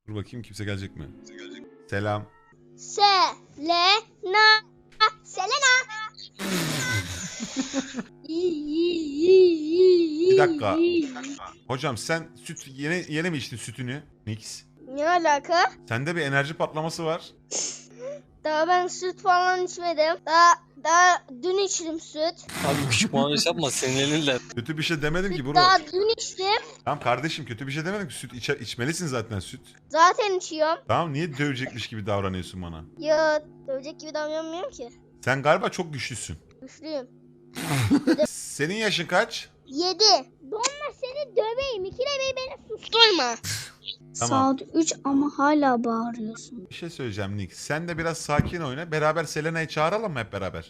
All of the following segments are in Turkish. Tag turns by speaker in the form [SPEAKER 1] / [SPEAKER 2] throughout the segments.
[SPEAKER 1] Dur bakayım kimse gelecek mi? Selam.
[SPEAKER 2] Selena. Selena.
[SPEAKER 1] Bir dakika. Hocam sen süt yeni mi içtin sütünü? Nix.
[SPEAKER 2] Ne alaka?
[SPEAKER 1] Sende bir enerji patlaması var.
[SPEAKER 2] Daha ben süt falan içmedim. Daha dün içtim süt.
[SPEAKER 3] Abi küçük muhabbet yapma senin elinle.
[SPEAKER 1] Kötü bir şey demedim ki bro.
[SPEAKER 2] Daha dün içtim.
[SPEAKER 1] Tamam kardeşim kötü bir şey demedim ki süt içmelisin zaten süt.
[SPEAKER 2] Zaten içiyorum.
[SPEAKER 1] Tamam niye dövecekmiş gibi davranıyorsun bana?
[SPEAKER 2] Ya dövecek gibi davranmıyorum ki.
[SPEAKER 1] Sen galiba çok güçlüsün.
[SPEAKER 2] Güçlüyüm.
[SPEAKER 1] Senin yaşın kaç?
[SPEAKER 2] 7. Donma seni döveyim. İkide bir beni susturma.
[SPEAKER 1] Tamam.
[SPEAKER 4] Saat 3 ama hala bağırıyorsun.
[SPEAKER 1] Bir şey söyleyeceğim Nick. Sen de biraz sakin oyna. Beraber Selena'yı çağıralım mı hep beraber?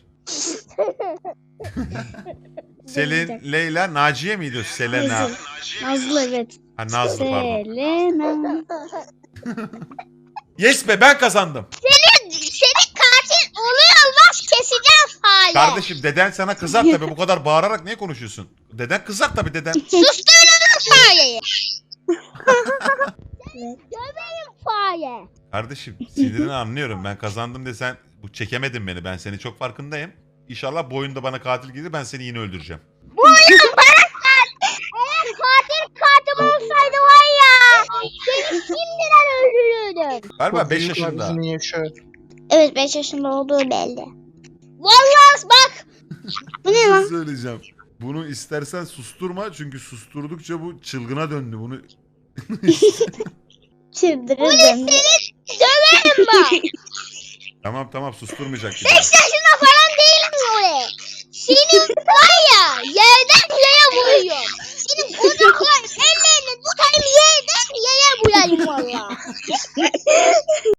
[SPEAKER 1] Selin, Leyla, Naciye miydi o? Selena.
[SPEAKER 4] Nazlı. Nazlı evet.
[SPEAKER 1] Ha Nazlı pardon.
[SPEAKER 4] Selena.
[SPEAKER 1] Yes be ben kazandım.
[SPEAKER 2] Seni katil oluyor olmaz keseceğim fare.
[SPEAKER 1] Kardeşim deden sana kızar tabii. Bu kadar bağırarak niye konuşuyorsun? Deden kızar tabii deden.
[SPEAKER 2] Susturun fareyi. Döveyim fare.
[SPEAKER 1] Kardeşim sinirini anlıyorum. Ben kazandım de sen bu çekemedin beni. Ben seni çok farkındayım. İnşallah bu oyunda bana katil gelir ben seni yine öldüreceğim.
[SPEAKER 2] Eğer katil olsaydı var ya. Seni şimdiden öldürürdüm.
[SPEAKER 1] Galiba 5 yaşında.
[SPEAKER 4] Evet 5 yaşında olduğu belli.
[SPEAKER 2] Vallahi bak.
[SPEAKER 4] Bu ne
[SPEAKER 1] Bir
[SPEAKER 4] lan?
[SPEAKER 1] şey söyleyeceğim. Bunu istersen susturma çünkü susturdukça bu çılgına döndü. Bunu
[SPEAKER 4] Çıldırırdım.
[SPEAKER 2] Döverim bak.
[SPEAKER 1] tamam susturmayacak.
[SPEAKER 2] 5 yaşında falan değilim oraya. Senin var ya yerden yere vuruyor. Senin kucaklar ellerini tutayım yerden yere vurayım valla.